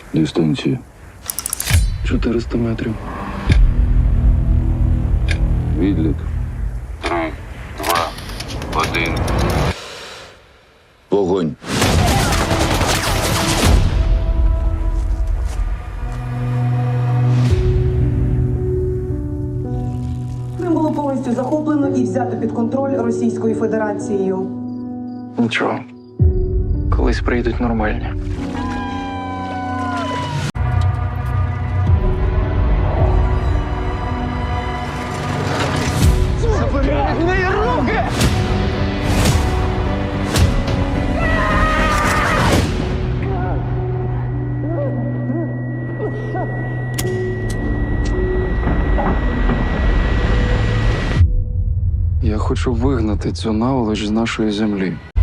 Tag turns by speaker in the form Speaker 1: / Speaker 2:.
Speaker 1: Дистанція.
Speaker 2: 400 метрів.
Speaker 1: Відлік.
Speaker 3: 3, 2, 1.
Speaker 1: Вогонь.
Speaker 4: Крим було повністю захоплено і взято під контроль Російською Федерацією.
Speaker 2: Нічого. Колись прийдуть нормальні. Я хочу вигнати цю наволоч з нашої землі.